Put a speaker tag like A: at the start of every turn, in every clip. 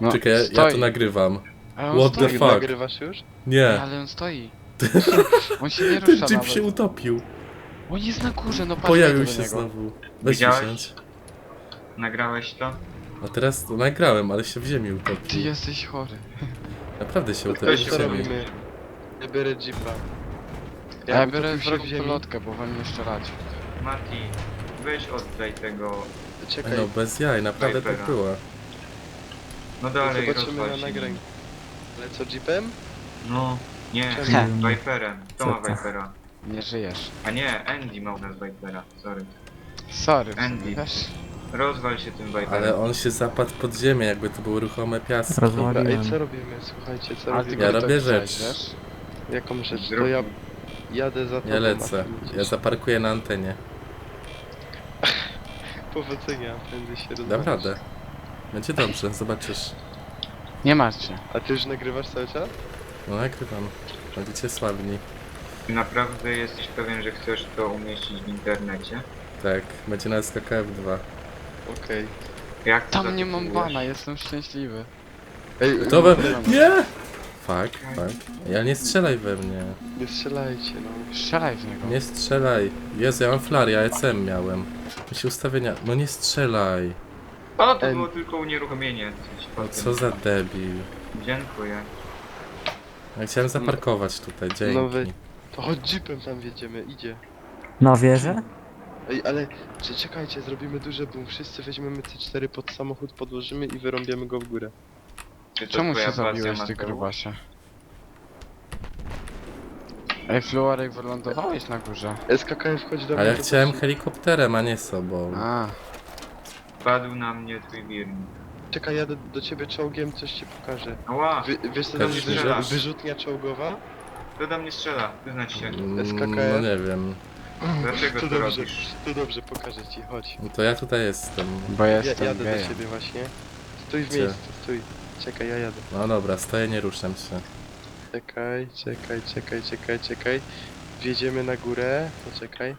A: No,
B: Czekaj, ja
A: stoi.
B: to nagrywam.
A: Ale on
B: What
A: stoi.
B: the fuck?
C: Nagrywasz już?
B: Nie,
A: Ale on stoi. On się nie
B: ten
A: rusza
B: jeep
A: nawet.
B: się utopił.
A: On jest na górze, no patrz
B: Pojawił
A: do
B: się
A: niego.
B: znowu. Weź
D: Widziałeś?
B: wsiądź.
D: Nagrałeś to?
B: A teraz to nagrałem, ale się w ziemi
A: Ty
B: utopił.
A: jesteś chory.
B: Naprawdę się
C: To
B: utopił
D: się
B: w
C: co
B: ziemi.
C: robimy? Ja biorę jeepa.
A: Ja biorę
C: utopił się
A: wrogą
C: w ziemi.
A: pelotkę, bo wam nie strzelać.
D: Mati, weź oddaj tego.
C: Czekaj,
B: No bez jaj, naprawdę tak
D: Vipera.
B: było.
D: No dalej,
C: zobaczymy
D: rozwal
C: na
D: się
C: nagraniu.
D: nim.
C: Ale co, jeepem?
D: No, nie,
C: Czemu?
D: Viperem. Kto ma Vipera?
A: Nie żyjesz.
D: A nie, Andy ma u nas Vipera, sorry.
A: Sorry,
D: Andy.
A: wiesz?
D: Rozwal się tym Viperem.
B: Ale on się zapadł pod ziemię, jakby to były ruchome piaski.
C: Dobra, ej,
E: Rozwaliłem.
C: co robimy? Słuchajcie, co
A: Ale ty
C: robimy?
B: Ja
A: go
B: robię
A: tak
B: rzecz.
A: chciałeś, wiesz?
C: Jaką rzecz? To
D: Zrób
C: ja
D: mi.
C: jadę za tobą.
B: Ja lecę.
C: a ty
B: Ja
C: idziesz.
B: zaparkuję na antenie.
C: Powodzenia, prędzej się
B: Dam
C: rozmawiasz.
B: radę. Będzie dobrze, zobaczysz.
A: Nie martw się.
C: A ty już nagrywasz cały czas?
B: No nagrywam. Będziecie sławni.
D: Naprawdę jesteś pewien, że chcesz to umieścić w internecie?
B: Tak, będzie na SKKF2.
C: Okej.
D: Jak to
A: Tam nie mam
D: zatytułujesz?
A: bana, jestem szczęśliwy.
C: Ej,
B: To we...
A: Dobra.
B: Nie! Fuck, fuck. Ja nie strzelaj we mnie.
C: nie strzelajcie, no.
A: Strzelaj w niego.
B: Nie strzelaj. Jezu, ja mam flary, ja ECM miałem. Mi się ustawienia... No nie strzelaj.
D: O, to
C: Em.
D: było tylko unieruchomienie.
B: No co za debil.
D: Dziękuję.
B: Ja chciałem zaparkować tutaj,
C: No wy-
B: dzięki.
C: To chodź jeepem tam wjedziemy, idzie.
E: Na wieżę?
C: Ej, ale czekajcie, zrobimy duże boom. Wszyscy weźmiemy C4 pod samochód, podłożymy i wyrąbiemy go w górę.
D: Czy to
A: Czemu
D: twoja
A: się
D: pasja,
A: zabiłeś, ty
D: Mateusz?
A: grubasie? Ej, Fluarek, wylądowałeś na górze.
C: SKKF, chodź do mnie.
B: Ale ja
C: to
B: chciałem
C: chodź-
B: helikopterem, a nie sobą.
A: A,
D: Padł na mnie twój wirnik.
C: Czekaj, jadę do ciebie czołgiem, coś ci pokażę.
D: Ała!
C: Wiesz co do mnie
B: Pokaż mi.
C: wyrzutnia czołgowa?
D: Kto do mnie strzela? Wyznać się.
B: No nie wiem.
D: Dlaczego
C: To
D: to
C: dobrze,
D: robisz?
C: to dobrze, pokażę ci, chodź.
B: No to ja tutaj jestem.
A: bo jestem
C: Jadę do
A: gejem.
C: ciebie właśnie. Stój w
B: Gdzie?
C: miejscu, stój. Czekaj, ja jadę.
B: No dobra, stoję, nie ruszam się.
C: Czekaj. Wjedziemy na górę, poczekaj.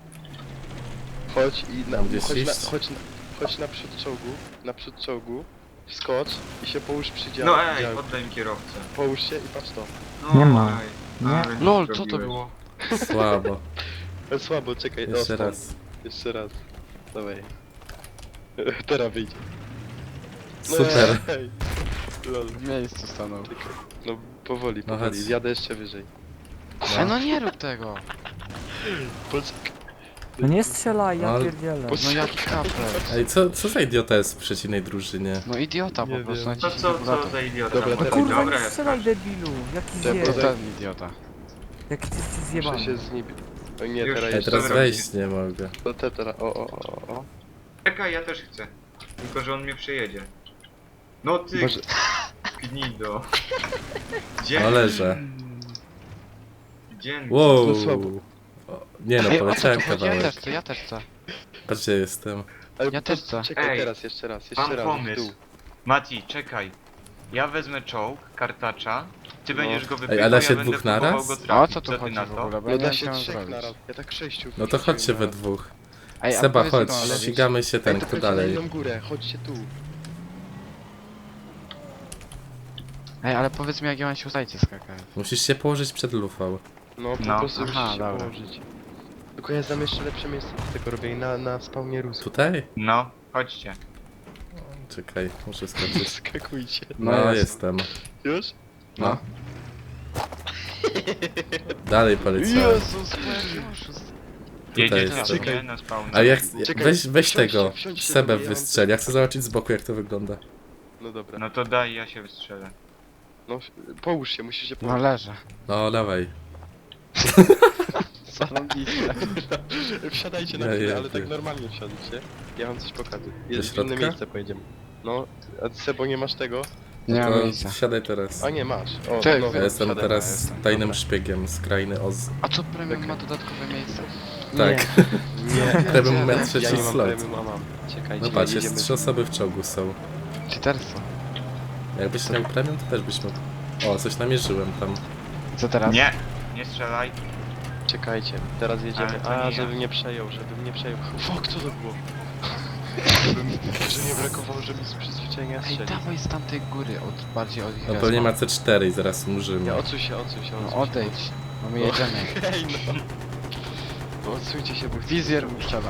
C: Chodź i
B: Tam gdzieś iść?
C: chodź naprzód czołgu, wskocz i się połóż przy
D: No ej,
C: działku.
D: oddaj mi kierowcę.
C: Połóż się i patrz to.
D: No,
E: Nie ma.
D: ej,
E: Nie.
D: ale mi
A: LOL, co to
D: zrobiłeś.
A: było?
B: Słabo.
C: Słabo, czekaj,
B: Jeszcze
C: stąd.
B: raz.
C: Jeszcze raz. Dawaj. Teraz wyjdzie.
B: Super.
C: Ej. Lol.
A: W miejscu stanął.
C: Czekaj. No powoli,
B: No
C: powoli.
B: chodź.
C: Jadę jeszcze wyżej.
A: Ej, no nie rób tego.
C: Poczekaj.
E: No nie strzelaj, ja
B: Ale-
E: pierdzielę.
A: No jaki kapel.
B: Ej, co za idiota jest w przeciwnej drużynie?
A: No idiota
C: Nie
A: po prostu,
C: wiem.
D: To
A: naciśnij
D: co
A: kalkulator.
D: za idiota?
C: Dobra,
D: tam
C: teraz-
D: chodzi?
E: Kurwa,
D: Dobra,
E: nie
D: ja
E: strzelaj
D: skaczę.
E: debilu! Jaki
C: To
A: To
E: zjeb,
A: ten idiota.
E: jaki ty jesteś
C: Muszę
E: zjebany.
C: się z nim... O nie,
D: Już.
C: teraz
B: Ej,
C: jeszcze...
B: teraz
D: Dobra.
B: wejść nie mogę.
C: No teraz... O.
D: Czekaj, ja też chcę. Tylko, że on mnie przejedzie. No ty,
C: Może...
D: gnido. Dzień,
B: No leżę.
D: dzień.
B: Wow.
C: No słabo.
B: O, nie no,
A: Ej, o co
B: poleciałem
A: tu chodzi? Ja
B: kawałek.
A: też chcę.
B: Patrz gdzie jestem.
C: Ale
A: Ja też chcę.
C: Czekaj,
D: Ej,
C: teraz, jeszcze raz,
D: Mam
C: w dół.
D: pomysł. Mati, czekaj. Ja wezmę czołg, kartacza, ty
C: No.
D: będziesz go
B: Ej,
D: wypychał,
B: a da
D: ja
B: się
D: będę
B: dwóch
D: próbował
B: naraz?
D: go
A: A o
D: trafić.
A: co tu
D: ty
A: chodzi
D: na
A: w
D: to?
A: ogóle? Bo
C: No
A: ja
C: da
A: nie
C: się
A: chciałem
C: trzech
A: zrobić.
C: naraz. Ja tak 6.
B: No to chodźcie we dwóch.
A: Ej, a
B: Seba,
A: powiedz mi,
B: chodź,
A: co mam robić?
B: ścigamy się ten,
C: Ej, to
B: kto
C: chodźcie na
B: dalej.
C: inną górę, chodźcie tu.
A: Ej, ale powiedz mi jak ja mam się ustawić skakać.
B: Musisz się położyć przed lufą.
C: No, po
D: No.
C: prostu musisz
A: Aha,
C: się
A: dobra.
C: położyć. Tylko ja znam jeszcze lepsze miejsce do tego robię na spawnie rusu.
B: Tutaj?
D: No, chodźcie.
B: Czekaj, muszę skoczyć.
C: Skakujcie.
A: No
B: No,
A: jest.
B: jestem.
C: Już?
B: No. Dalej poleciałem.
A: Jezus, jaki oszust.
D: Jedziecie
B: jestem.
D: sobie na spawn.
B: A jak,
C: Czekaj,
B: weź
C: wsiądźcie,
B: tego,
C: wsiądźcie
B: Sebę
C: do mnie, ja mam
B: wystrzeli. Ja chcę zobaczyć z boku jak to wygląda.
C: No dobra.
D: No to daj, ja się wystrzelę.
C: No, połóż się, musisz się
A: No
C: położyć.
A: leżę.
B: No, dawaj.
A: Zarąbiście.
C: Wsiadajcie na
B: Ja
C: chwilę,
B: jadę.
C: ale tak normalnie wsiadajcie. Ja wam coś pokażę.
B: Do
C: Jest w inne
B: środka?
C: miejsce pojedziemy. No, a Sebo nie masz tego?
A: Nie mam
B: To
A: miejsca.
B: wsiadaj teraz.
C: A nie masz. O,
A: Cześć,
C: no,
B: Ja jestem
C: wsiadaj.
B: teraz
A: jestem,
B: tajnym
A: dobra.
B: szpiegiem z krainy Oz.
A: A co premium ma dodatkowe miejsce?
B: Tak.
C: Nie,
B: Premium ma
A: Ja
B: trzeci
C: ja nie mam
B: slot.
C: premium, a mam. Czekajcie,
B: No patrz,
C: jedziemy.
B: jest 3 osoby w czołgu są.
A: Cheaterstwo.
B: Jakbyś miał premium, to też byś mógł. O, coś namierzyłem tam.
A: Co teraz?
D: Nie, nie strzelaj.
C: Czekajcie, teraz jedziemy.
D: Ale to nie
C: A,
D: ja.
C: żebym nie przejął, żebym nie przejął. Fuck, co to było? Że nie brakowało, żeby z przyzwyczajenia
A: Ej,
C: strzelić.
A: dawaj z tamtej góry, bardziej od ich
B: No pewnie ma C4 i zaraz umrzymy.
C: Nie, odsuń się, odsuń się, odsuń
A: No
C: się.
A: odejdź, no my jedziemy.
C: Hej, no. No odsuńcie się, bo
A: Wizjer mu strzelam.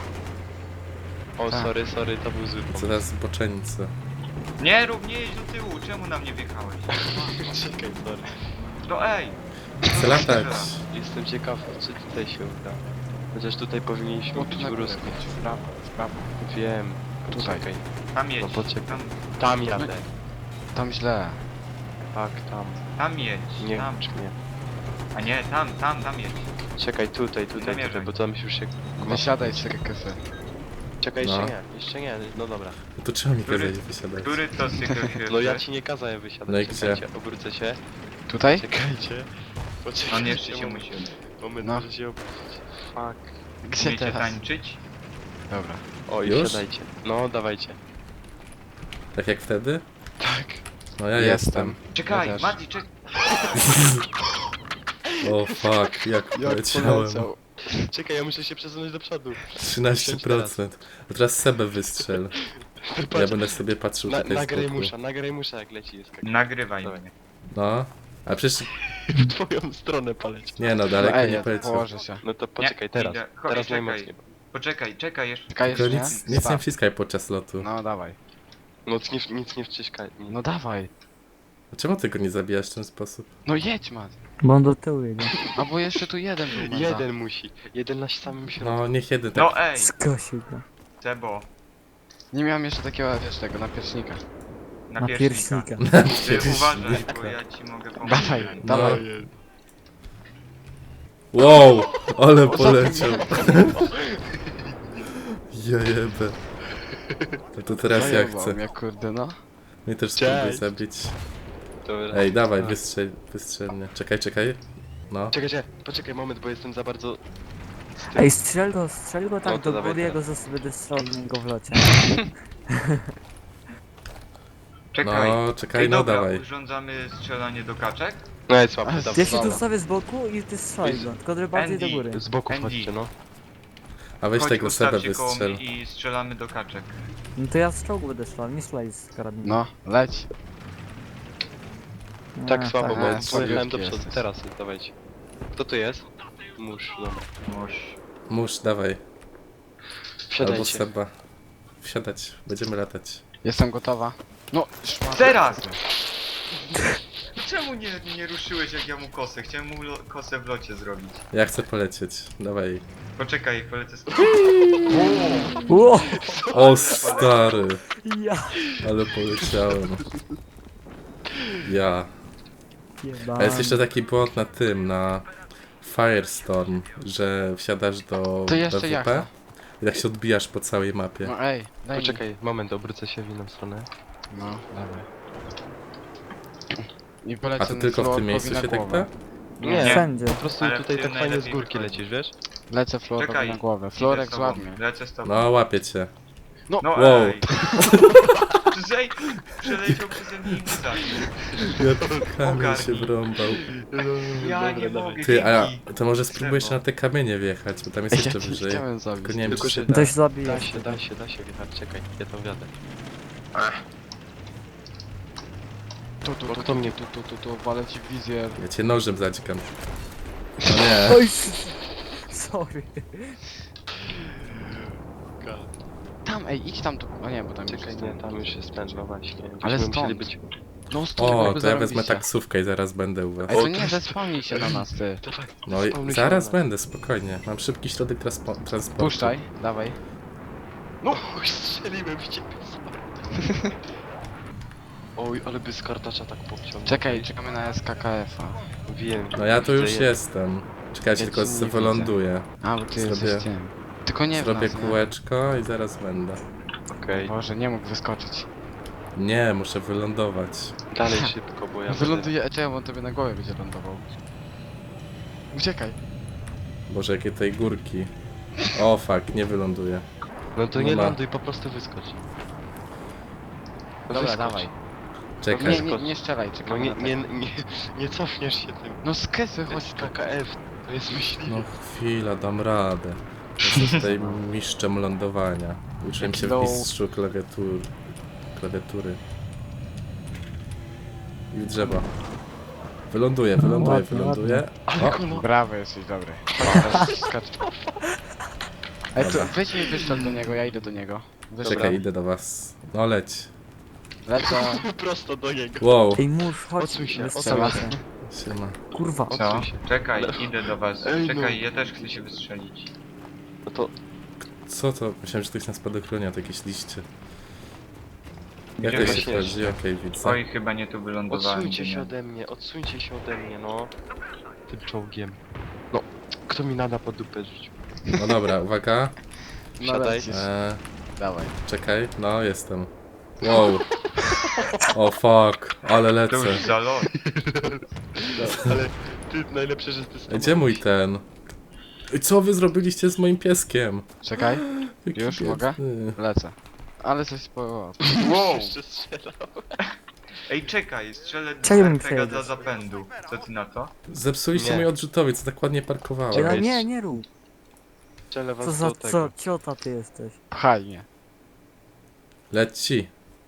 C: O,
A: Tak.
C: sorry, to był zły pomysł.
B: Zaraz zboczeńcy.
D: Nie rób, nie jedź do tyłu, czemu na mnie wjechałeś?
C: Czekaj, sorry.
D: No ej!
B: Chcę latać.
C: Jestem ciekaw, czy tutaj się uda. Chociaż tutaj powinniśmy
A: No tu
C: być
A: na
C: w
A: górę,
C: rusku.
A: jedź, w prawo, w prawo.
C: Wiem.
A: Tutaj.
C: Poczekaj.
D: Tam jedź,
C: No poczekaj.
D: tam
C: Tam jadę.
A: Tam źle.
C: Tak, tam.
D: jedź,
C: Nie,
D: tam.
C: czy nie.
D: A nie, tam jedź.
C: Czekaj, tutaj,
D: Zamierzaj.
C: bo tam już się...
A: Wysiadaj z tego kesy.
C: Czekaj,
B: No.
C: jeszcze nie, no dobra.
B: No to czemu mi
D: Który-
B: kazać wysiadać?
D: Który to z tych
C: No ja ci nie kazałem wysiadać,
B: No i
C: czekajcie, obrócę się.
A: Tutaj?
C: Czekajcie. Poczekajcie.
D: On jeszcze się
C: moment.
D: musi.
C: Moment,
A: No.
C: muszę się obrócić. Fuck.
A: Gdzie
D: Umiecie
A: teraz?
D: tańczyć?
A: Dobra.
C: O, i
B: Już?
C: wsiadajcie. No, dawajcie.
B: Tak jak wtedy?
C: Tak.
B: No ja
A: Jestem.
B: jestem.
D: Czekaj,
A: Ja też.
D: Mati, czekaj.
B: O fuck, jak poleciałem.
C: Czekaj, ja muszę się przesunąć do przodu.
B: 13%. A teraz Sebę wystrzel. Ja
C: Patrz,
B: będę sobie patrzył tutaj z boku.
C: nagraj musza jak leci jest.
D: Nagrywaj
C: Dawaj.
D: mnie.
B: No. A przecież...
C: W twoją stronę poleć.
B: Nie no,
A: No
B: daleko
A: ej,
B: nie
A: ja
B: poleciał.
A: położę się.
C: No to poczekaj,
D: Nie,
C: teraz.
D: idę. Chodź,
C: Teraz
D: czekaj.
C: najmocniej.
D: Czekaj jeszcze.
A: Czekaj
B: Tylko
A: jeszcze,
B: nic nie
A: Stop.
B: wciskaj podczas lotu.
A: No dawaj.
C: No nic nie wciskaj.
A: No dawaj.
B: A czemu ty go nie zabijasz w ten sposób?
A: No jedź, Mat.
E: Bo on do tyłu jedzie.
A: A bo jeszcze tu jeden był, Mata.
C: Jeden musi. Jeden na samym środku.
B: No niech jeden tak...
D: No ej,
E: Skosił go.
D: Sebo,
A: Nie miałem jeszcze takiego, wiesz, tego, napiecznika.
D: na
E: Na
D: pierśnika.
E: pierśnika.
D: Ty uważaj, bo ja ci mogę pomóc.
A: Dawaj,
B: No.
A: dawaj.
B: Wow! Ale poleciał. Jajebę. No to teraz ja
A: Zajebał
B: chcę.
A: mnie, kurde, no.
B: Mnie też spróbuj
C: Cześć.
B: zabić.
C: Dobra.
B: Ej, dawaj,
A: Tak.
B: wystrzel mnie. Czekaj. No.
C: Czekajcie, poczekaj moment, bo jestem za bardzo...
E: Ej, strzel go tak
C: No to
E: do
C: dawaj
E: góry, ja go
C: teraz.
E: będę strzelał w niego w locie.
D: Czekaj.
B: No, czekaj,
D: Ej,
B: no
D: dobra,
B: dawaj.
D: urządzamy strzelanie do kaczek?
C: No jest słaby,
A: A,
C: dobra.
E: Ja się tu
A: Dobra.
E: stawię z boku i ty strzelaj go, tylko bardziej do
D: Andy.
E: góry.
C: Z boku
D: Andy.
C: chodźcie, no.
B: A weź
D: Chodź,
B: tego Sebę
D: ustawcie koło
B: wystrzel.
D: mnie i strzelamy do kaczek.
E: No to ja z czołgu będę strzelał, nie strzelaj z karabinu.
A: No, leć.
C: Tak słabo,
A: tak,
C: bo
A: tak,
C: pojechałem do
A: słabiutki
C: przodu.
A: jesteś.
C: Teraz jest, dawajcie. Kto to jest? Mórz, dobra.
B: Mórz, dawaj. Albo
C: Wsiadajcie.
B: Seba. Wsiadać, będziemy latać.
A: Jestem gotowa. No, szmat.
D: Teraz! Czemu nie ruszyłeś jak ja mu kosę? Chciałem mu kosę w locie zrobić.
B: Ja chcę polecieć. Dawaj.
D: Poczekaj, polecę z...
E: Ło!
B: O stary,
E: Ja!
B: ale poleciałem. Ja.
E: Jebany.
B: A jest jeszcze taki błąd na tym, na Firestorm, że wsiadasz do
A: To jeszcze
B: PWP
A: jachta.
B: i tak się odbijasz po całej mapie.
A: No ej, daj mi.
C: Poczekaj, moment, obrócę się w inną stronę.
A: No, dawaj. I polecę
B: A to tylko w tym miejscu się tak da?
C: Nie,
E: Wszędzie.
C: po prostu
D: Ale
C: tutaj
D: w
C: tak
D: tym
C: fajnie z
D: najlepiej
C: górki
D: wychodzi.
C: lecisz, wiesz?
A: Lecę Florowi
D: Czekaj.
A: na głowę.
D: Idę
A: Florek
D: z tobą,
A: złapnie.
D: Lecę z tobą.
B: No, łapię cię.
A: No,
D: No
B: Wow.
D: ej! Przeleciał przeze mnie i mnie zabił.
B: Ja kamień
D: Ogarnij.
B: się wrąbał.
D: Ja nie mogę,
B: Ty, a
D: dzięki.
B: to może spróbujesz
D: Sebo.
B: na te kamienie wjechać, bo tam jest
A: ja
B: jeszcze
A: cię
B: wyżej.
A: chciałem zabić.
B: Tylko nie wiem,
C: Tylko,
B: czy
C: że
B: się da.
E: To się zabije.
C: Da się wjechać, czekaj, ja tam wjadę.
A: Tu,
C: kto mnie-
A: tu, walę ci w wizjer.
B: Ja cię nożem zadźgam. No nie.
E: Oj! Sorry.
A: Tam, ej, idź tam tu. O nie, bo tam
C: Czekaj,
A: już
C: nie, tam już jest ten, no właśnie.
A: Ale
C: Byśmy musieli
A: stąd.
C: być...
A: No stąd,
B: O,
A: jakby
B: to ja wezmę
A: zarobiście.
B: taksówkę i zaraz będę u was.
A: Ej, to
C: O,
A: nie,
C: to-
A: zespomnij się na nas, ty.
C: Dawaj,
B: No i
C: spawnuj się
B: zaraz
C: na-
B: będę, spokojnie. Mam szybki środek transportu.
A: Puszczaj, dawaj.
C: No, strzeliłem w ciebie, sorry. Oj, ale by z kartacza tak popciągnął.
A: Czekaj, czekamy na SKKF-a.
C: Wiem.
B: No ja tu już
C: widzę
B: jestem. Czekajcie,
A: Ja
B: tylko
A: ci nie
B: wyląduję.
A: A, bo ty
B: Zrobię-
A: jesteś tym. Tylko nie w
B: Zrobię
A: nas, nie?
B: kółeczko i zaraz będę.
C: Okej,
A: Boże, nie mógł wyskoczyć.
B: Nie, muszę wylądować.
C: dalej szybko, bo ja
A: Wyląduje, czekaj, bo on tobie na głowie będzie lądował. Uciekaj.
B: Boże, jakie tej górki. O fuck, nie wyląduję.
C: No to nie
B: Dobra.
C: ląduj, po prostu wyskocz.
A: Dobra,
C: Wyskocz.
A: dawaj.
B: Czekaj.
A: Nie strzelaj,
C: No
A: czekaj.
C: nie cofniesz się tym.
A: No z kesy,
C: To
A: chodź
C: jest
A: tu.
C: KKF, to jest myśliwy.
B: No chwila, dam radę. Jestem tutaj mistrzem lądowania. Uczyłem się w
A: No.
B: mistrzu klawiatury. I w drzewo. Wyląduje. O,
A: Brawo, jesteś dobry. Teraz skacz. Ej, to
B: Dobra.
A: weź mi wyszedł do niego, ja idę do niego. Wyszedł.
B: czekaj, idę do was. No leć.
A: Lecę.
C: Prosto do niego.
B: Wow.
E: Ej, mórz, chodź.
C: Odsuń się,
E: wystrzelę
A: odsuń
E: cię.
B: Siema.
E: Kurwa.
D: Co?
C: Odsuń się.
D: Czekaj, idę do was.
C: Ej, no.
D: Czekaj, ja też chcę się wystrzelić.
C: No to
B: Co to? Myślałem, że to jest na spadochronie, to jakieś liście. Jak
D: Gdzie
B: to się
C: właśnie
B: wchodzi? Okej, widzę.
D: Oj, chyba nie tu wylądowałem.
C: odsuńcie
D: gdzie
C: się
D: nie.
C: odsuńcie się ode mnie, no. Tym czołgiem. No, kto mi nada pod dupę rzucił?
B: No dobra, uwaga.
A: No
C: Siadaj.
A: lecisz. Dawaj.
B: Czekaj, no jestem. Wow. O fuck, ale
D: To
B: lecę.
D: już za lot.
C: Ale ty najlepsze, że ty
B: Ej, gdzie mój ten? Ej, co wy zrobiliście z moim pieskiem?
A: Czekaj,
B: Jaki
A: Już mogę?
B: biedny.
A: lecę. Ale coś po...
D: Wow!
C: Jeszcze strzelał.
D: Ej, czekaj, strzelę
E: Czego mi
D: do Pega
E: przejedziesz?
D: za zapędu. Co ty na to?
B: Zepsuliście
C: Nie.
B: mój odrzutowiec, tak ładnie
E: Ej,
B: parkowałem.
E: no nie rób.
C: Strzelę was
E: Co za,
C: do tego.
E: co, ciota ty jesteś.
A: Pchaj mnie.
B: Leci.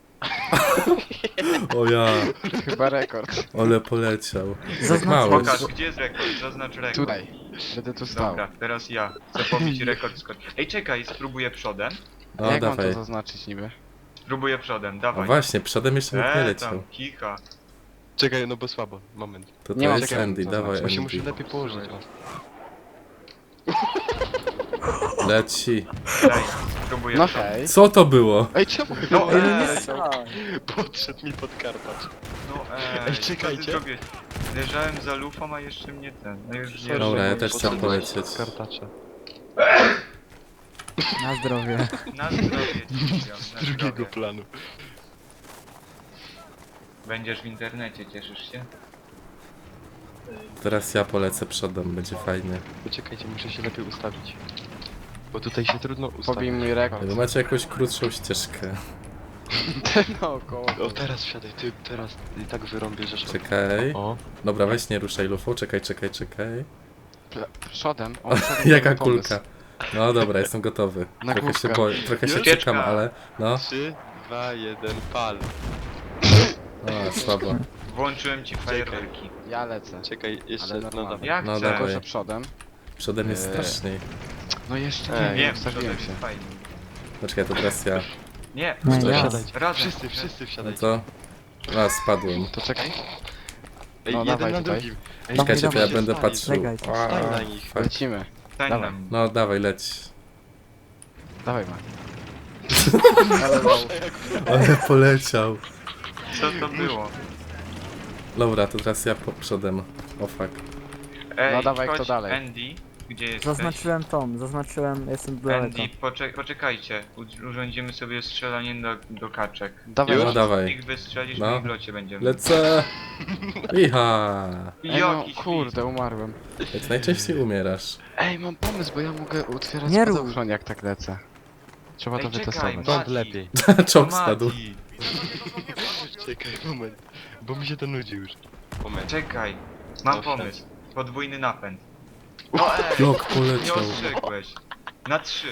B: O ja,
A: Chyba rekord.
B: ale poleciał. Jak
E: Zaznacz-
B: mały.
D: Pokaż, gdzie jest rekord? Zaznacz rekord.
A: Tutaj. Będę tu stał.
D: Dobra, teraz ja. Chcę pobić rekord skocz. Ej, czekaj, spróbuję przodem.
B: No
A: Jak mam to
B: dawaj.
A: zaznaczyć niby?
D: Spróbuję przodem,
B: No
D: dawaj.
B: właśnie, przodem jeszcze nikt nie leciał.
D: tam, kicha.
C: Czekaj, no bo słabo. Moment.
B: To
A: Nie mam
B: jest
A: czekaj,
B: Andy,
A: to
B: dawaj
A: znaczy,
C: Bo się muszę
B: Andy.
C: lepiej położyć. O.
B: Leci.
D: Daj, spróbuję
A: No
D: przodem.
A: hej.
B: Co to było?
A: Ej, czemu?
D: No,
E: Ej, no nie
D: ej,
E: strzelaj.
C: Podszedł mi pod karpacz.
D: No
C: Ej,
D: co
C: czekajcie.
D: ty zrobiłeś? Leżałem za lufą, a jeszcze mnie ten. No już nie
B: Dobra, ja
D: żyję.
B: też chcę polecieć.
C: Kartacza.
E: Na zdrowie.
D: Na zdrowie ci mówią, na
C: Drugiego
D: zdrowie.
C: planu.
D: Będziesz w internecie, cieszysz się?
B: Teraz ja polecę przodem, będzie fajnie.
C: Poczekajcie, muszę się lepiej ustawić. Bo tutaj się trudno
A: Pobij
C: ustawić.
A: mój rekord.
B: Wy macie jakąś krótszą ścieżkę.
A: Naokoło.
C: O, teraz wsiadaj, ty teraz i tak wyrąbię, że...
B: Czekaj.
C: O,
B: Dobra, weź nie ruszaj lufą, czekaj.
A: Przodem. O, przodem
B: Jaka
A: mamy pomysł.
B: kulka. No dobra, jestem gotowy.
A: Na
B: Trochę się
A: główkę.
B: boję, trochę się
D: Ucieczka.
B: czekam, ale no.
C: 3, 2, 1, pal.
B: O, słabo.
D: Włączyłem ci fajerwerki.
A: Ja lecę.
C: Czekaj, jeszcze,
A: Ale
C: no
A: normalnie.
C: dawaj.
D: Jak
B: No
D: chcę?
B: dawaj.
A: Tylko, że przodem.
B: Przodem jest straszniej.
A: No jeszcze
C: Ej,
A: nie,
D: Wiem,
A: ustawiłem
D: przodem
A: się.
D: jest fajnie.
B: No czekaj, to teraz ja.
D: Nie,
E: No
C: To
E: ja.
C: wsiadajcie.
D: razem.
C: Wszyscy
B: No
C: wsiadajcie.
B: to? A, spadłem.
A: To czekaj.
C: Ej,
A: No,
C: jeden
A: dawaj
C: na
A: tutaj.
C: drugim. Ej,
E: Dawaj,
B: Czekajcie, to ja
E: dawaj.
B: będę
C: stali,
B: patrzył.
E: Czekajcie.
B: A,
C: Stań na nich.
B: fuck.
A: Lecimy.
D: Stań
A: Dawaj.
D: na mnie.
B: No dawaj, leć.
A: Dawaj ma. Ale low.
B: Ale poleciał.
D: Co to było?
B: Dobra, to teraz ja po przodem. O fuck.
D: Ej,
A: No dawaj,
D: chodź,
A: kto dalej?
D: Andy, gdzie jesteś?
E: Zaznaczyłem, jestem daleko.
D: Andy, poczekajcie. Urządzimy sobie strzelanie do kaczek.
A: Dawaj.
B: No dawaj.
D: Ich wystrzelisz,
B: No.
D: no. w locie będziemy.
B: Lecę. Iha.
A: Ej, no,
D: Jaki
A: kurde, umarłem.
B: Jak najczęściej umierasz.
A: Ej, mam pomysł, bo ja mogę otwierać
E: Nie rób.
A: spadochron jak tak lecę. Trzeba to
D: Ej, czekaj,
A: wytestować.
C: Stąd
D: Mati.
C: lepiej.
B: Czołg spadł.
D: Mati,
C: Czekaj, moment. Bo mi się to nudzi już. Moment.
D: Czekaj, mam
C: No,
D: pomysł. Podwójny napęd. No ej,
B: Jak
D: nie
B: poleciał.
D: ostrzegłeś. Na 3.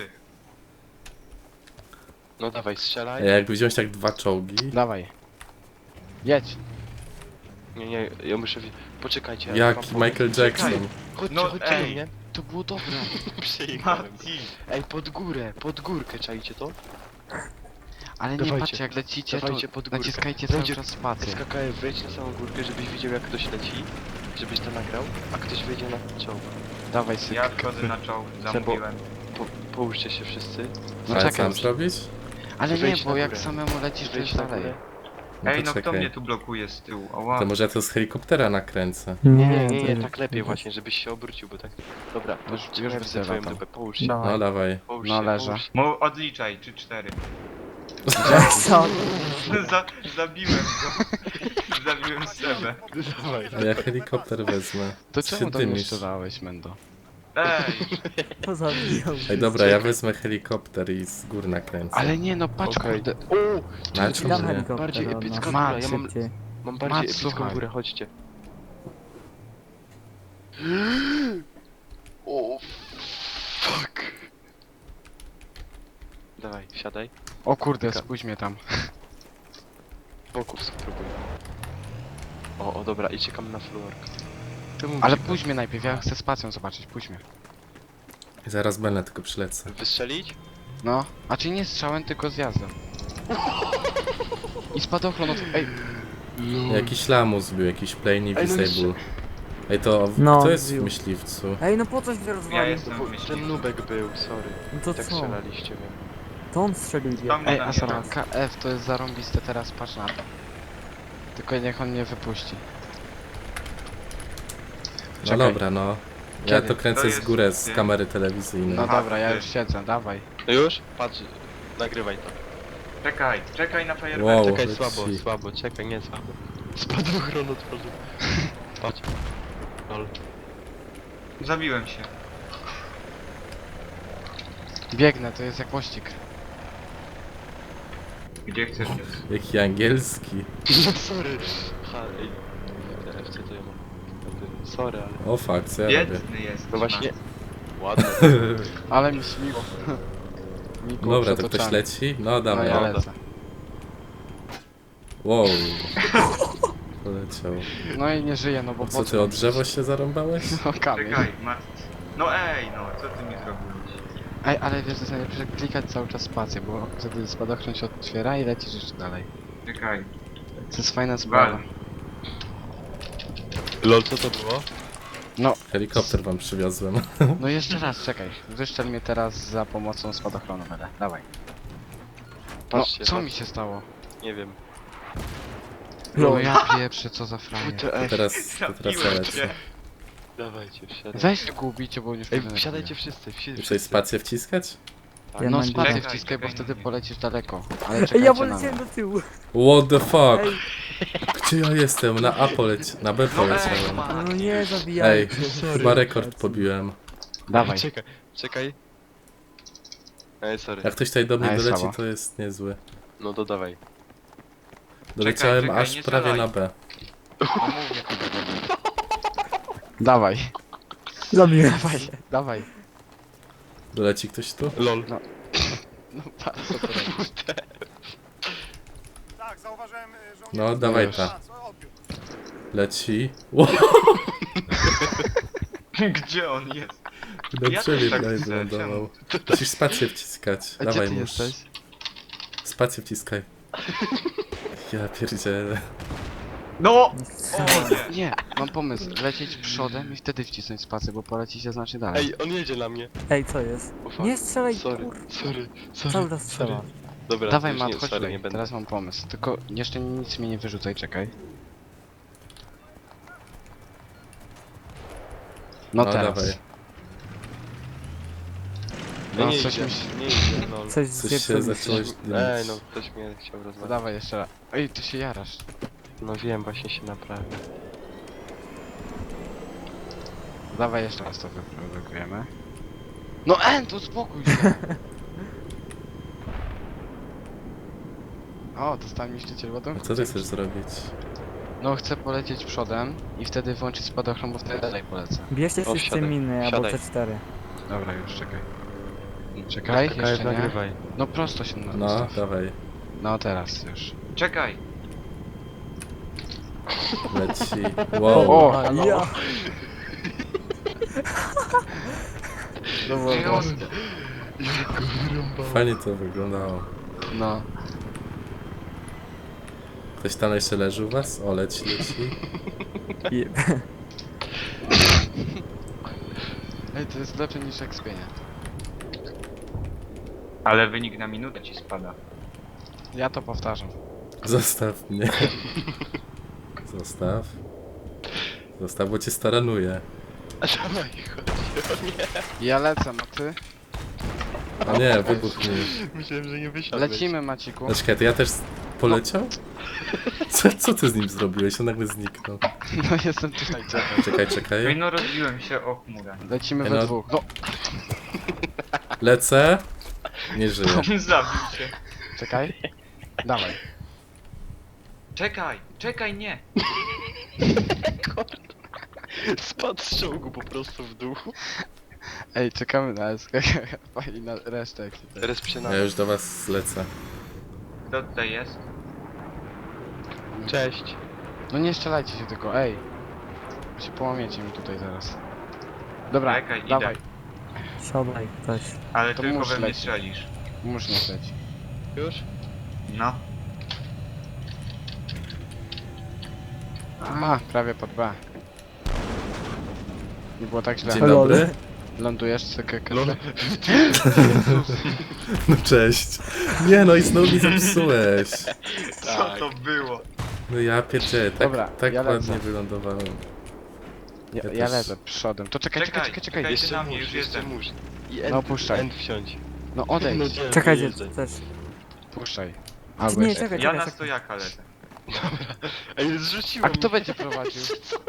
C: No dawaj, strzelaj.
B: Ej, jakby wziąć tak dwa czołgi.
A: Dawaj. Jedź.
C: Nie, ja muszę... Poczekajcie. ja
B: Jak
C: wam powiem.
B: Michael Jackson.
C: Chodźcie,
D: No,
C: chodźcie do
D: ej.
C: mnie.
A: To było dobre.
C: Przejechałem.
D: Mati.
C: Ej, pod górkę, czajcie to?
A: Ale nie
C: Dawajcie.
A: patrzcie, jak lecicie,
C: Dawajcie
A: to
C: pod górkę.
A: naciskajcie cały
C: Będzie-
A: czas spację.
C: SKKF, wejdź na samą górkę, żebyś widział jak ktoś leci. Żebyś to nagrał, a ktoś wejdzie na czołg.
A: Dawaj syk.
D: Ja wchodzę na czołg, zamówiłem.
C: Połóżcie się wszyscy.
A: No
B: Ale
A: czekaj
B: co mam
A: już.
B: zrobić?
A: Ale nie,
C: Wejdź
A: bo
C: na
A: jak
C: górę.
A: samemu lecisz, to
C: Wejdź
A: jest
C: na
A: dalej.
C: górę.
B: No
D: Ej,
B: to
D: no kto
B: czekaj.
D: mnie tu blokuje z tyłu? Ała.
B: To może ja to z helikoptera nakręcę.
C: Nie,
E: to-
C: tak lepiej właśnie, żebyś się obrócił, bo tak... Dobra,
A: Już
C: już
A: widzę
C: widzę twoją
A: tam.
C: dupę, połóż się.
E: Dawaj.
B: No dawaj.
C: Połóż
A: No,
C: się,
A: leżę.
C: połóż się.
D: Odliczaj, 3-4.
E: Co?
D: Zabiłem go. Zabiłem Sebę.
C: Dawaj.
B: A ja helikopter wezmę.
A: To
B: Co
A: czemu
B: się
A: tam nie
B: dymisz?
A: strzelałeś, Mendo?
D: Ej,
E: To zabijał.
B: Ej dobra, ja wezmę helikopter i z gór nakręcę.
A: Ale nie, no patrz,
C: Okej.
A: kurde.
C: O!
B: No, ale
E: Dam
B: czemu nie?
E: helikopter
C: Bardziej
E: od
C: epicka
E: nas.
C: góra,
A: Mat,
C: ja mam
E: Szybciej.
C: bardziej
A: Mat,
C: epicką
A: słuchaj.
C: górę, chodźcie. O, fuck. Dawaj, wsiadaj.
A: O kurde,
C: Taka-
A: spójrz mnie tam.
C: Boków spróbuj. O, dobra, i czekam na fluorkę.
A: Ale pójdź mnie najpierw, ja chcę spacją zobaczyć, pójdź mnie.
B: I zaraz będę, tylko przylecę.
C: Wystrzelić?
A: No, a czy nie strzałem, tylko zjazdem. I spadochron od... Ej,
B: Jakiś lamus był, jakiś plane
C: Ej, no
B: disable. Ej, to
E: No,
B: kto jest w
E: zbił.
B: myśliwcu?
E: Ej, no po coś mnie
D: Ja
E: rozwalił?
D: jestem
C: Bo
D: w myśli.
C: ten nubek był, sorry.
E: No to
C: Tak
E: co?
C: strzelaliście mnie.
E: To on strzelił
D: Tam
E: ja.
D: nie
A: ej,
D: na
A: Asara,
D: mnie.
A: KF to jest zarąbiste, teraz patrz na to. Tylko niech on nie wypuści.
B: No
A: Czekaj.
B: dobra, no. Ja
A: Kiedy?
B: to kręcę
D: To
B: z
D: jest-
B: góry z kamery telewizyjnej.
A: No
D: Aha,
A: dobra, ja
D: ty.
A: już siedzę, dawaj.
C: No już? Patrz, nagrywaj to.
D: Czekaj na fajerwerki.
B: Wow.
C: Czekaj,
B: leci.
C: słabo, czekaj, nie słabo. Spadochron otworzył. Patrz. Lol.
D: Zabiłem się.
A: Biegnę, to jest jak mościk.
D: Gdzie chcesz?
B: Jaki angielski.
C: Sorry. Ha, ej. FC to ja mam. Sorry, ale...
B: O fuck, co ja robię?
D: Biedny jest.
C: No właśnie... Ładne.
A: Ale mi śmiło. Mi było
B: Dobra, to ktoś
A: przetoczane.
B: leci? No
A: No
B: dawaj.
A: ja
C: Dobra.
A: lecę.
B: Wow. Poleciał.
A: No i nie żyję, no bo
B: Co ty, o drzewo się zarąbałeś?
A: No kamień.
D: Czekaj, No ej, no, co ty mi zrobiłeś?
A: Ej, ale wiesz, to jest najlepsze klikać cały czas spację, bo wtedy spadochron się otwiera i lecisz jeszcze dalej.
D: Czekaj.
A: To jest fajna sprawa.
D: Wal.
C: Lol, co to było?
B: Helikopter wam przywiozłem.
A: No jeszcze raz, czekaj. Wyszczel mnie teraz za pomocą spadochronu, Mele. Dawaj. No,
C: Patrzcie,
A: co
C: patrz.
A: mi się stało?
C: Nie wiem.
A: No ja pieprzę, co za frajer.
B: Teraz ja
D: Zabiłem
B: lecę.
D: cię.
C: Dawajcie, wsiadaj.
A: Weź go ubicie, bo on już
C: Ej,
A: mnie
C: wsiadajcie
A: denerwuje.
C: wszyscy,
B: Muszę
C: wszyscy.
B: spację wciskać?
C: Tak.
E: Ja
A: No
E: mam
A: spadaj
D: Czekaj,
A: wciskaj, bo
D: czekaj
A: wtedy
D: na mnie.
A: polecisz daleko. Ale
E: Ej, ja
A: czekajcie na
E: poleciałem
A: mnie.
E: do tyłu.
B: What the fuck?
E: Ej,
B: Gdzie ja jestem? Na A na B poleciałem.
E: no nie zabijajcie.
B: Ej, chyba rekord pobiłem.
A: Dawaj.
C: Czekaj. Ej, sorry.
B: Jak ktoś tutaj do mnie
A: Ej,
B: doleci,
A: słabo.
B: to jest niezły.
C: No to dawaj.
B: Doleciałem
D: czekaj,
B: aż
D: nie
B: prawie
D: strzelaj.
B: na B.
D: No mówię to.
A: Dawaj.
E: Zabiłem
A: Dawaj.
E: się.
A: Dawaj.
B: Doleci ktoś tu?
C: Lol.
A: No patrz co to robisz.
F: Tak, zauważyłem, że on
B: No,
F: jest...
B: dawaj
A: już.
B: ta.
F: Co odbiór?
B: Leci. Wow,
D: Gdzie on jest?
B: na
D: Ja
B: drzewie
D: też tak
B: prawie
D: chcę,
B: wylądował. Musisz spację wciskać.
A: A gdzie
B: Dawaj
A: ty
B: musz.
A: jesteś?
B: Spację wciskaj. Ja pierdzielę.
D: No! O nie!
A: Nie, mam pomysł. Lecieć przodem i wtedy wcisnąć spację, bo polecicie znacznie dalej.
C: Ej, on jedzie na mnie.
E: Ej, co jest?
C: O, fuck.
E: Nie strzelaj,
C: Sorry,
E: kur...
C: sorry.
E: Cały czas strzela.
C: Dobra,
A: Dawaj
C: już
A: Mat,
C: nie,
A: chodź
C: sorry,
A: tutaj.
C: nie będę.
A: Teraz mam pomysł. Tylko jeszcze nic mi nie wyrzucaj, czekaj. No,
B: No,
A: teraz.
B: dawaj.
C: No
A: No
C: nie
A: coś
C: idzie,
A: mi się...
C: nie idzie, lol.
E: Coś
B: Coś
E: zje
B: się zacząłeś
C: Ej,
B: dymić.
C: no ktoś mnie chciał
A: No
C: rozmawiać.
A: dawaj jeszcze raz. Ej, ty się jarasz.
C: No wiem, właśnie się naprawię.
A: Dawaj jeszcze raz to wyprodukujemy. No to spokój się. O, dostałem niszczyciel
B: A
A: ładunku.
B: co ty chcesz zrobić?
A: No chcę polecieć przodem i wtedy włączyć spadochron, bo wtedy dalej polecę.
E: Bierzcie
C: O,
E: wszyscy
C: wsiadaj,
E: miny, albo
C: wsiadaj.
E: C4.
A: Dobra, już czekaj. Czekaj, jeszcze nie.
C: nagrywaj.
A: No prosto się
B: No,
A: ustaw.
B: dawaj.
A: No teraz już.
D: Czekaj!
B: Leci. Wow.
A: O,
E: A,
A: halo.
E: ja.
A: No było
D: Ej, on-
A: głoskie.
B: Fajnie to wyglądało.
A: No.
B: Ktoś tam jeszcze leży u was? O, leci.
E: Jeb.
A: Ej, to jest lepsze niż ekspienie.
D: Ale wynik na minutę ci spada.
A: Ja to powtarzam.
B: Zostaw mnie. Zostaw. Zostaw, bo cię staranuję.
C: Dawaj, chodź. O nie.
A: Ja lecę, a ty?
B: A nie, wybuch mi.
C: Myślałem, że nie wysiadłeś.
A: Lecimy, Maciku.
B: No czekaj, to ja też poleciał? Co ty z nim zrobiłeś? On nagle zniknął.
A: No jestem tutaj, czekaj.
B: Czekaj.
D: Ej, no rozbiłem się o chmurę.
A: Lecimy
B: Ej,
A: we
B: no.
A: dwóch. No,
B: Lecę. Nie żyję.
D: Zabił się.
A: czekaj. Dawaj.
D: Czekaj, nie!
C: Spadł z czołgu po prostu w dół.
A: Ej, czekamy na SK i na resztę ekipy.
C: Resp się na...
B: Ja już do was lecę.
D: Kto tutaj jest?
C: Cześć.
A: No nie strzelajcie się tylko, ej. Bo się połamiecie mi tutaj zaraz. Dobra,
D: Czekaj, idę.
A: dawaj,
E: Siadaj, ktoś.
D: Ale
A: To
D: tylko
A: muszę
D: we mnie
A: lecieć.
D: strzelisz.
A: muszę nie leć.
C: Już?
D: No.
A: A, prawie pod B. Nie było tak źle.
B: Dzień dobry.
A: Lądujesz, cykę,
B: No cześć. Nie no i znowu mi zepsułeś.
D: Co to było?
B: No ja pierdzielę, tak,
A: Dobra,
B: tak
A: ja lecę.
B: ładnie wylądowałem.
A: Ja
B: też.
A: lecę przodem. To czekaj.
D: Czekaj.
C: Jeszcze
D: na mnie,
C: mórz,
D: już
C: jeszcze
D: jestem.
C: mórz. I
A: No,
C: end,
A: puszczaj.
C: end wsiądź.
A: No odejdź,
C: No nie,
E: Czekajcie,
C: wyjeżdżaj.
E: też.
A: puszczaj.
E: Czy
A: Albo
E: nie,
A: jeszcze.
E: czekaj,
D: Ja
E: czekaj,
D: na
E: czekaj.
D: stojaka lecę.
C: Ej,
A: A
C: zrzuciłem.
A: kto będzie prowadził?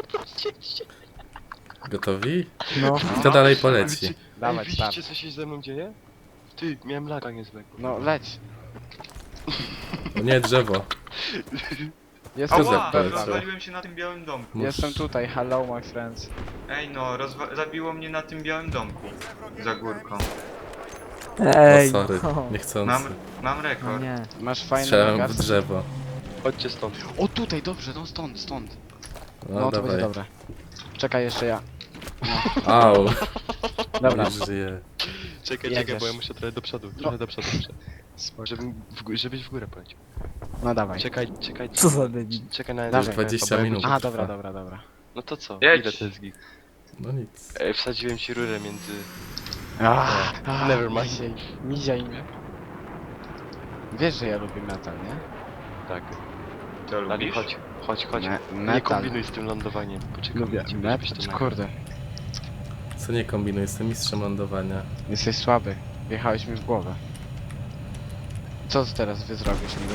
B: Gotowi?
E: No.
B: Kto dalej poleci?
C: Ej,
A: Dawaj,
C: widzicie
A: start.
C: co się ze mną dzieje? Ty, miałem laga niezłego.
A: No leć.
B: O nie, drzewo.
A: Jestem
B: za
D: Ała!
B: palce?
D: Rozwaliłem się na tym białym domku.
A: Jestem tutaj, hello my friends.
D: Ej no, zabiło mnie na tym białym domku. Za górką.
E: Ej,
B: O sorry,
E: no.
B: niechcący.
D: Mam
E: No
D: rekord.
E: nie.
A: Masz fajny
B: Strzelam w
A: magaz?
B: drzewo.
C: Chodźcie stąd.
A: O tutaj, dobrze, no stąd.
B: No,
A: No to
B: dawaj.
A: będzie dobre. Czekaj jeszcze ja.
B: Au,
A: Dobra,
B: już żyję.
C: Czekaj,
A: Jedziesz.
C: bo ja muszę trochę do przodu. Trochę do przodu muszę. Żebyś w górę poleciał.
A: no dawaj.
C: Czekaj.
E: Co za debil.
C: Czekaj na
A: Dawaj.
B: 20
C: bo ja
B: minut.
C: muszę-
A: A, dobra.
C: No to co?
D: Jedź.
C: Ile to jest gig?
B: No nic.
C: Ej, wsadziłem ci rurę między...
A: Never
C: mind.
A: Miziaj mnie. Wiesz, że ja lubię metal, nie?
C: Tak.
D: To
C: Ali,
D: lubisz?
C: chodź. Nie
A: Metal.
C: kombinuj z tym lądowaniem. Poczekaj,
A: Lubię
C: żebyś to
A: metal.
C: nagrał.
A: Kurde,
B: Co nie kombinuj, jestem mistrzem lądowania.
A: jesteś słaby. Wjechałeś mi w głowę. Co teraz wy zrobisz niby?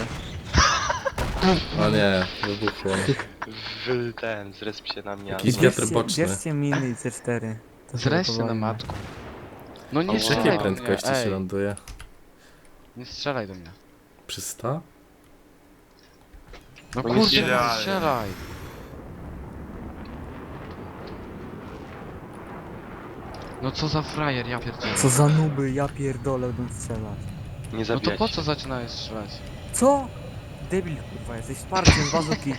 B: O nie, wybuchło.
C: Zresp się na mnie.
B: Jakiś
C: albo-
B: wiatr boczny.
E: Bierzcie miny i C4. To
A: Zreź się na
E: powoli.
A: matku. No nie
C: Ała.
B: Przy
A: strzelaj
B: jakiej
A: do
B: prędkości
A: mnie,
B: się
A: ej.
B: ląduje?
A: Nie strzelaj do mnie.
B: Przy 100?
A: No
C: Bo nie
A: kurde, nie
D: strzelaj.
A: strzelaj. No co za frajer, ja pierdzielę.
E: Co za nuby, ja pierdolę, będę strzelać.
C: Nie
A: No to
C: zabijać
A: po
C: się.
A: co zaczynałeś strzelać?
E: Co? Debil kurwa, jesteś wsparciem bazuki.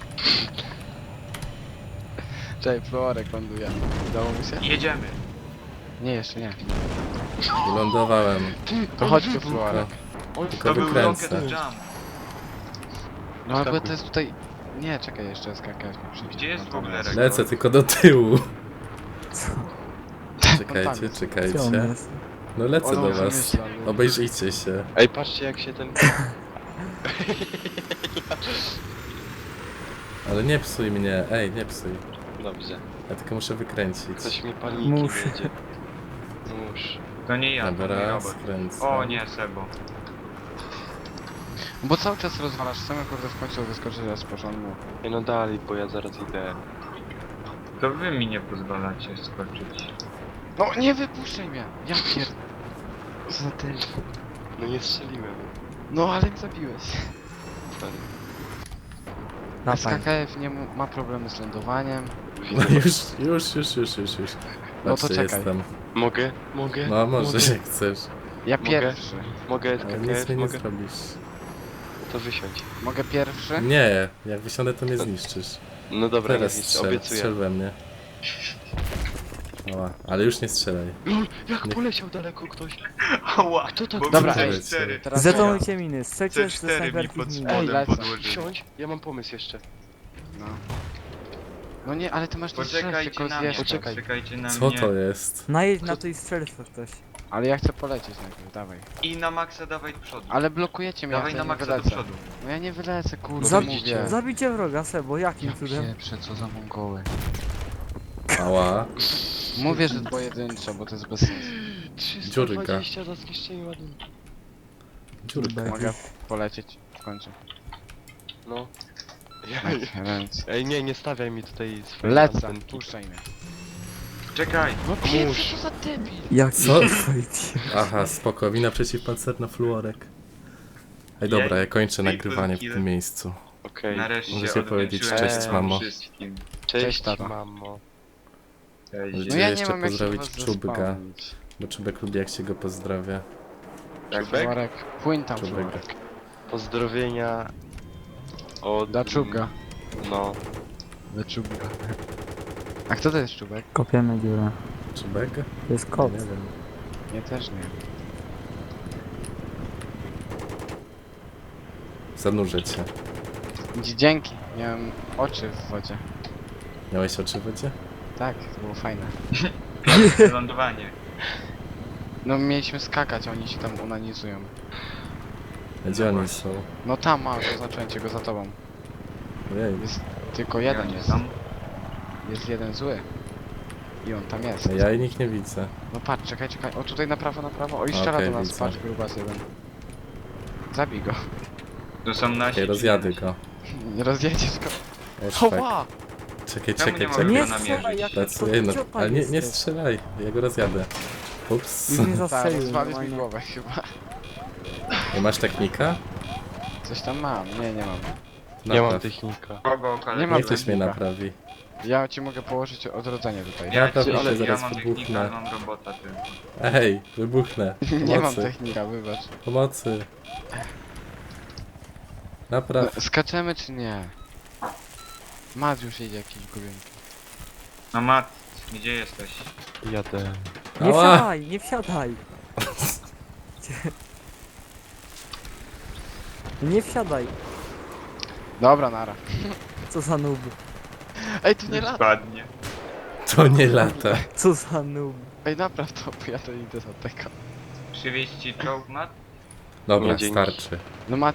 A: Czekaj, Florek ląduje. Udało mi się?
D: Jedziemy.
A: Nie, jeszcze nie.
B: Lądowałem.
A: To chodźmy, Florek.
B: Tylko
D: To był
B: wykręcę.
D: rocket jump.
A: No ale
C: Skakuj.
A: to jest tutaj... Nie, czekaj, jeszcze skakać mi przyjdzie.
D: Gdzie jest w ogóle rekord?
B: Lecę tylko do tyłu.
E: Co?
B: Czekajcie,
E: Gdzie on
B: czekajcie.
E: jest?
B: No lecę
A: On
B: do
A: już
B: was.
A: myślał, że-
B: Obejrzyjcie się.
C: Ej, patrzcie jak się ten...
B: Ale nie psuj mnie, ej, nie psuj.
C: Dobrze.
B: Ja tylko muszę wykręcić.
C: Coś mi paniki
E: Muszę.
C: wiedzie. Musz.
D: To nie ja, to
B: Dobra,
D: nie robot.
B: skręcę.
D: O nie, Sebo.
A: Bo cały czas rozwalasz, chcemy kurde w końcu wyskoczyć z początku.
C: Ej, no dalej, bo ja zaraz idę.
D: To wy mi nie pozwalacie skoczyć.
A: No nie wypuszczaj mnie! Ja pier... Co za ty...
C: No nie strzeliłem.
A: No ale mnie zabiłeś.
C: Sorry.
E: Dawaj.
A: SKKF nie ma problemy z lądowaniem.
B: No już.
A: No to
B: Patrzcie,
A: czekaj.
B: jestem.
C: Mogę?
B: No może
C: Mogę?
B: jak chcesz.
A: Ja
C: Mogę?
A: pierwszy.
C: Mogę
B: Ale nic
C: SKKF?
B: mi nie
C: Mogę?
B: zrobisz.
C: To wysiądź.
A: Mogę pierwszy?
B: Nie, jak wysiądę to mnie zniszczysz.
C: No dobra,
B: Teraz
C: nie zniszczę,
B: strzel
C: obiecuję.
B: we mnie. Oła, ale już nie strzelaj.
C: LOL, jak
B: Nie.
C: poleciał daleko ktoś.
D: Ała!
C: Kto tak-
D: Bo
A: Dobra,
D: mi
A: ej.
D: C4.
A: Teraz
E: Zetonujcie miny, strzelcie ze
D: C4 mi
E: snajperki
D: pod
E: w
A: Ej,
E: miny.
D: spodem
A: lecę.
D: podłożyli.
C: Wsiądź, ja mam pomysł jeszcze.
A: No. No nie, ale ty masz tu strzelać,
D: Poczekajcie
A: tylko
D: na mnie,
A: zjeżdżać.
C: Poczekaj.
D: poczekajcie na
B: Co
D: mnie.
B: to jest?
E: Najedź na to i strzelstwo ktoś.
A: Ale ja chcę polecieć najpierw, dawaj.
D: I na maksa dawaj do przodu.
A: Ale blokujecie mnie,
D: Dawaj
A: ja
D: na
A: nie
D: maksa do
A: wylecę.
D: przodu.
A: No ja nie wylecę, kurde,
C: Zabicie.
A: mówię.
E: Zabicie wroga, Sebo, jakim cudem?
A: Pieprze, co za mongoły.
B: Ała.
A: Mówię, że pojedynczo, bo to jest bez sensu.
C: 320 za zniszczenie ładunku.
B: Dziurka.
A: Mogę polecieć w końcu.
C: No.
A: Ręce.
C: Ej, nie stawiaj mi tutaj swojej
A: Lecę,
C: antenki.
A: puszczaj mnie.
D: Czekaj!
A: No
C: Pomóż.
A: co za debil.
E: Jaki
B: Co?
E: Fight.
B: Aha, spoko, wina przeciwpancerna fluorek. Ej dobra, ja kończę nagrywanie w tym miejscu.
C: Okej.
D: Nareszcie
B: Możecie powiedzieć
D: odwdzięczyłem
C: cześć,
D: wam
B: mamo.
D: wszystkim.
C: Cześć,
A: Cześć, tato.
C: mamo.
D: Cześć.
A: No ja nie
B: jeszcze
A: mam jak się
B: pozdrowić
A: was
B: Czubka,
A: zespawnić.
B: bo Czubek lubi jak się go pozdrawia.
A: Tak,
C: Czubek?
A: Florek, płyń tam,
B: Czubek.
A: Florek.
C: Pozdrowienia od...
A: Dla Czubka.
C: No.
A: Dla Czubka. A kto to jest Czubek?
E: Kopiemy dziurę.
B: Czubek?
E: To jest kot.
B: Nie wiem.
A: Nie, też nie.
B: Zanurzyć się.
A: Dzięki, miałem oczy w wodzie.
B: Miałeś oczy w wodzie?
A: Tak, to było fajne.
D: Lądowanie.
A: No mieliśmy skakać, a oni się tam unanizują.
B: A gdzie oni są?
A: No tam masz, oznaczyłem cię go za tobą.
B: Ojej,
A: Jest tylko jeden
D: Ja nie
A: jest.
D: znam.
A: Jest jeden zły. I on tam jest.
B: a ja i nikt nie widzę.
A: No patrz, czekaj, czekaj. O tutaj na prawo, na prawo. O i strzela
B: Okej,
A: do nas,
B: widzę.
A: patrz, grubas jeden. Zabij go.
D: To są nasi.
B: Okej,
D: czy
B: rozjadę
D: nie
B: go.
A: Nie rozjedziesz go.
B: O, szpek.
A: Chowa!
B: Czekaj,
D: Czemu
B: czekaj,
D: nie
B: czekaj.
D: mogę
E: Nie
D: go namierzyć?
E: strzelaj, jak
B: Pracuję, no,
E: ciopa
B: ale nie
E: jesteś.
B: strzelaj, ja go rozjadę. Ups.
E: Już mnie
A: Tak,
E: zastrzelił.
A: rozwalisz mi
E: normalnie.
A: głowę chyba.
B: Nie masz technika?
A: Coś tam mam. Nie, nie mam.
C: Nie mam
B: Napraw.
C: technika.
D: Kogo kolego?
A: Nie mam
B: Niech ktoś mnie
A: technika.
B: naprawi.
A: Ja ci mogę położyć odrodzenie tutaj.
B: Ja
D: Ja, ci,
B: naprawdę
D: ja
B: zaraz
D: mam
B: wybuchnę.
D: technika, ale mam robota tylko.
B: Ej, wybuchnę.
A: Nie mam
B: Pomocy.
A: technika, wybacz.
B: Pomocy. Napraw.
A: No, skaczemy czy nie? Mat już jedzie jakiś gubienki.
D: No Mat, gdzie jesteś?
C: Jadę.
E: Nie
B: Ała!
E: wsiadaj, nie wsiadaj. Nie wsiadaj.
A: Dobra, nara.
E: Co za noob.
A: Ej, tu nie lata.
D: Padnie.
B: To nie lata.
E: Co za noob.
A: Ej, napraw to, bo ja to idę za tego.
D: Przywieźć ci czołg, Mat?
B: Dobra,
C: Nie, dzięki.
B: starczy.
A: No Mat